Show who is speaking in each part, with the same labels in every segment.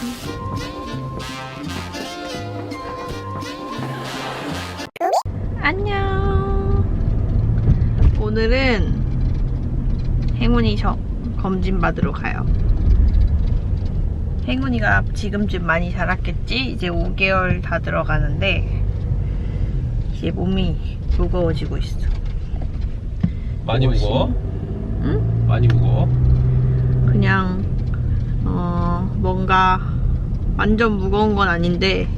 Speaker 1: 안녕. 오늘은 행운이 검진 받으러 가요. 행운이가 지금쯤 많이 자랐겠지? 이제 5개월 다 들어가는데 이제 몸이 무거워지고 있어.
Speaker 2: 많이 무거워?
Speaker 1: 응?
Speaker 2: 많이 무거워?
Speaker 1: 그냥 뭔가 완전 무거운 건 아닌데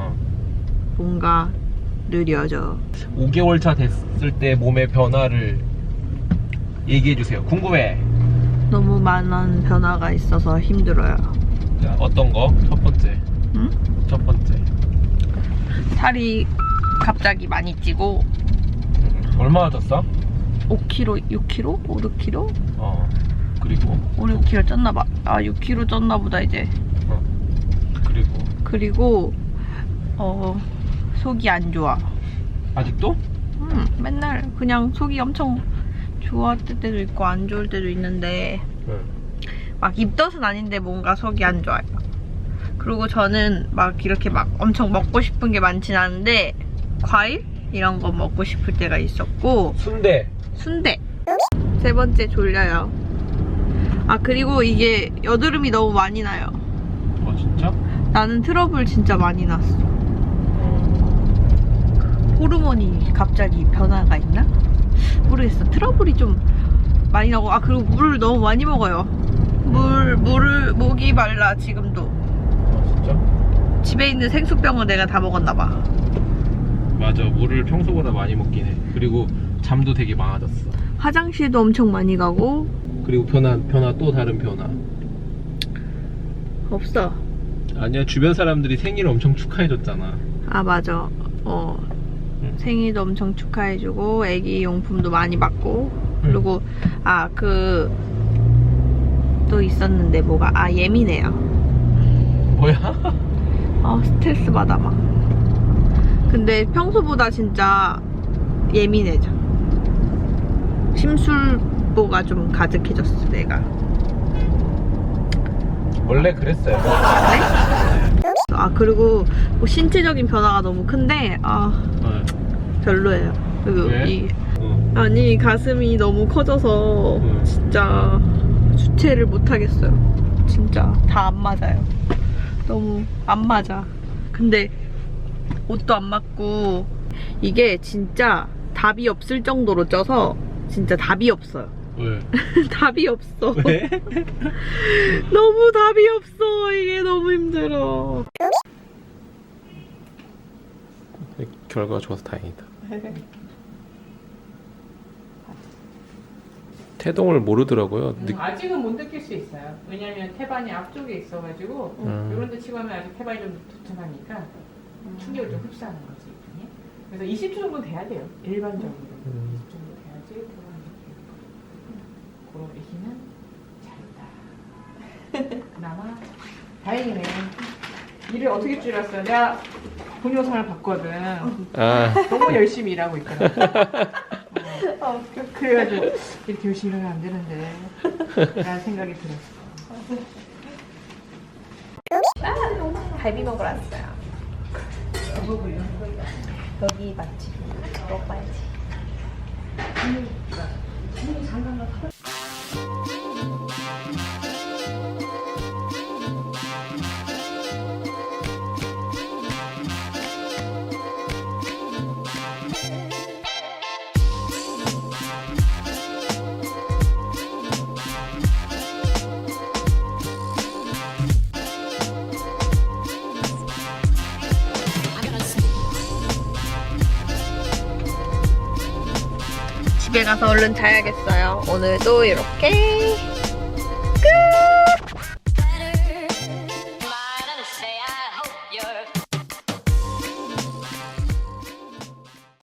Speaker 1: 뭔가 느려져.
Speaker 2: 5개월 차 됐을 때 몸의 변화를 얘기해주세요. 궁금해.
Speaker 1: 너무 많은 변화가 있어서 힘들어요.
Speaker 2: 자, 어떤 거? 첫 번째.
Speaker 1: 응?
Speaker 2: 첫 번째.
Speaker 1: 살이 갑자기 많이 찌고.
Speaker 2: 얼마나 쪘어?
Speaker 1: 5kg, 6kg? 5, 6kg?
Speaker 2: 그리고
Speaker 1: 5, 6kg 쪘나봐. 6kg 쪘나보다 이제. 그리고 속이 안 좋아.
Speaker 2: 아직도?
Speaker 1: 맨날 그냥 속이 엄청 좋았을 때도 있고 안 좋을 때도 있는데 막 입덧은 아닌데 뭔가 속이 안 좋아요. 그리고 저는 막 이렇게 막 엄청 먹고 싶은 게 많진 않은데 과일? 이런 거 먹고 싶을 때가 있었고. 순대. 세 번째 졸려요. 그리고 이게 여드름이 너무 많이 나요.
Speaker 2: 진짜?
Speaker 1: 나는 트러블 진짜 많이 났어. 호르몬이 갑자기 변화가 있나? 모르겠어. 트러블이 좀 많이 나고. 그리고 물을 너무 많이 먹어요. 물을 목이 말라 지금도.
Speaker 2: 진짜?
Speaker 1: 집에 있는 생수병은 내가 다 먹었나봐.
Speaker 2: 맞아, 물을 평소보다 많이 먹긴 해. 그리고 잠도 되게 많아졌어.
Speaker 1: 화장실도 엄청 많이 가고.
Speaker 2: 그리고 변화 또 다른 변화.
Speaker 1: 없어.
Speaker 2: 아니야, 주변 사람들이 생일 엄청 축하해줬잖아.
Speaker 1: 맞아. 생일도 엄청 축하해주고 애기 용품도 많이 받고. 그리고 또 있었는데 뭐가 예민해요.
Speaker 2: 뭐야?
Speaker 1: 스트레스 받아 막. 근데 평소보다 진짜 예민해져. 심술보가 좀 가득해졌어 내가.
Speaker 2: 원래 그랬어요.
Speaker 1: 네? 그리고 뭐 신체적인 변화가 너무 큰데 별로예요. 그리고
Speaker 2: 왜?
Speaker 1: 아니 가슴이 너무 커져서 진짜 주체를 못 하겠어요. 진짜 다 안 맞아요. 너무 안 맞아. 근데 옷도 안 맞고 이게 진짜 답이 없을 정도로 쪄서 진짜 답이 없어요.
Speaker 2: 왜?
Speaker 1: 답이 없어.
Speaker 2: 왜?
Speaker 1: 너무 답이 없어. 이게 너무 힘들어.
Speaker 2: 결과가 좋아서 다행이다. 태동을 모르더라고요.
Speaker 3: 아직은 못 느낄 수 있어요. 왜냐면 태반이 앞쪽에 있어가지고 이런 데 치고 하면 아직 태반이 좀 도착하니까 충격을 좀 흡수하는 거지. 그래서 20초 정도 돼야 돼요. 일반적으로 20초 정도 돼야지 태반이 그런 애기는 잘다. 그나마 다행이네. 일을 어떻게 줄였어요? 내가 동영상을 봤거든. 너무 열심히 일하고 있더라고. 그래가지고 이렇게 열심히 일하면 안 되는데 라는 생각이 들었어.
Speaker 1: 갈비 먹으러 왔어요. 여기 맛집 먹어봐야지. 집에 가서 얼른 자야겠어요. 오늘도 이렇게